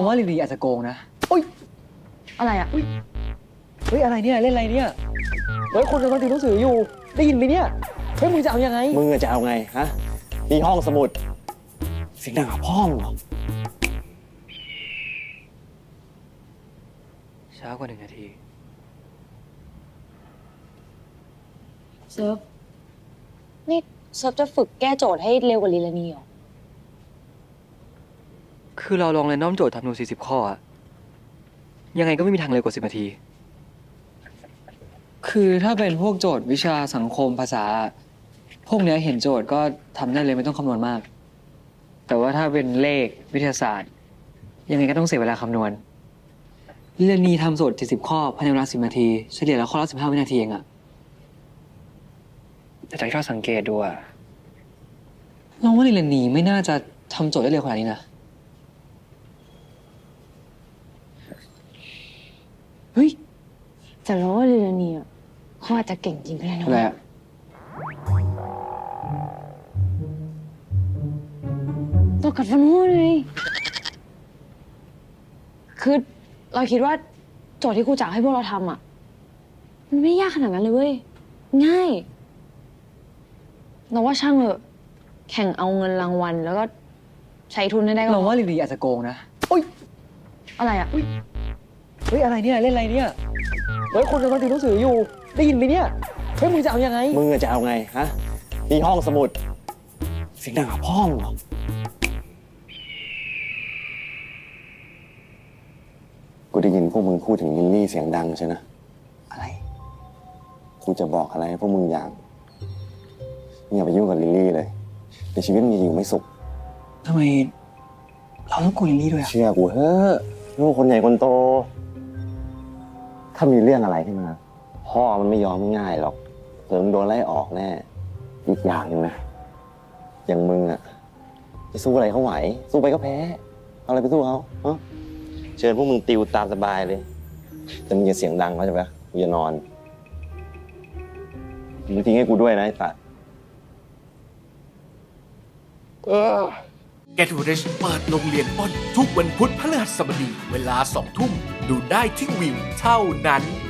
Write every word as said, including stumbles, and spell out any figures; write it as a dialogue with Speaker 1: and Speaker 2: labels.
Speaker 1: ว่าลีลีอาจจะโกงนะโอ๊ย
Speaker 2: อะไรอ่ะ
Speaker 1: เฮ้ยอะไรเนี่ยเล่นอะไรเนี่ยเฮ้ยคนกำลังติวหนังสืออยู่ได้ยินไหมเนี่ยเฮ้ยมึงจะเอายังไง
Speaker 3: มึงจะเอาไงฮะนี่ห้องสมุดเสียงดังกับพ่อมึงเหรอ
Speaker 1: ช้ากว่าหนึ่งนาที
Speaker 2: เซิร์ฟนี่เซิร์ฟจะฝึกแก้โจทย์ให้เร็วกว่าลีลานีเหรอ
Speaker 1: คือเราลองเรนดอมโจทย์ทำดูสี่สิบข้ออะยังไงก็ไม่มีทางเร็วกว่าสิบนาทีคือถ้าเป็นพวกโจทย์วิชาสังคมภาษา พวกเนี้ยเห็นโจทย์ก็ทำได้เลยไม่ต้องคำนวณมาก แต่ว่าถ้าเป็นเลขวิทยาศาสตร์ ยังไงก็ต้องเสียเวลาคำนวณลีลานีทำโจทย์เจ็ดสิบข้อภายในเวลาสิบนาทีเฉลี่ยแล้วข้อละสิบห้าวินาทีเองอะแต่จากที่เราสังเกตดูอะลองว่าลีลานีไม่น่าจะทำโจทย์ได้เร็วขนาดนี้นะเฮ้ย
Speaker 2: แต่เราว่าลีลานีอ่ะเขาอาจจะเก่งจริงก็ได้นะ
Speaker 1: อะไรอะ
Speaker 2: ตัวกัดฟันหัวเลยคือเราคิดว่าโจทย์ที่ครูจ๋าให้พวกเราทำอ่ะมันไม่ยากขนาดนั้นเลยเว้ยง่ายเราว่าช่างเถอะแข่งเอาเงินรางวัลแล้วก็ใช้ทุนให้ได้ก็
Speaker 1: เราว่าลีลีอาจจะโกงนะโอ๊ย
Speaker 2: อะไรอ่ะ
Speaker 1: เฮ้ยอะไรเนี่ยเล่นอะไรเนี่ยเฮ้ยคนกำลังติวหนังสืออยู่ได้ยินไหมเนี่ยเฮ้ยมึงจะเอายังไง
Speaker 3: มึงจะเอาไงฮะนี่ห้องสมุดเสียงดังกับพ่อมึงเหรอกูได้ยินพวกมึงพูดถึงลิลลี่เสียงดังใช่นะอะไรกูจะบอกอะไรให้พวกมึงอย่างมึงอย่าไปยุ่งกับลิลลี่เลยในชีวิตมึงจะอยู่ไม่สุข
Speaker 1: ทำไมเราต้องกลัวลีลี่ด้วยอะ
Speaker 3: เชื่อกูเฮ้อะลูกคนใหญ่คนโต ถ้ามีเรื่องอะไรขึ้นมาพ่อมันไม่ยอมง่ายๆหรอกเดี๋ยวมึงโดนไล่ออกแน่อีกอย่างหนึ่งนะอย่างมึงอะจะสู้อะไรเขาไหว สู้ไปก็แพ้เอาอะไรไปสู้เขาเอ้าเชิญพวกมึงติวตามสบายเลยแต่มึงอย่าเสียงดังเข้าใจปะกูจะนอนมึงทิ้งให้กูด้วยนะไอ้สัส
Speaker 4: Get Rich เปิดโรงเรียนปล้นทุกวันพุธพฤหัสบดีเวลาสองทุ่มดูได้ที่วิวเท่านั้น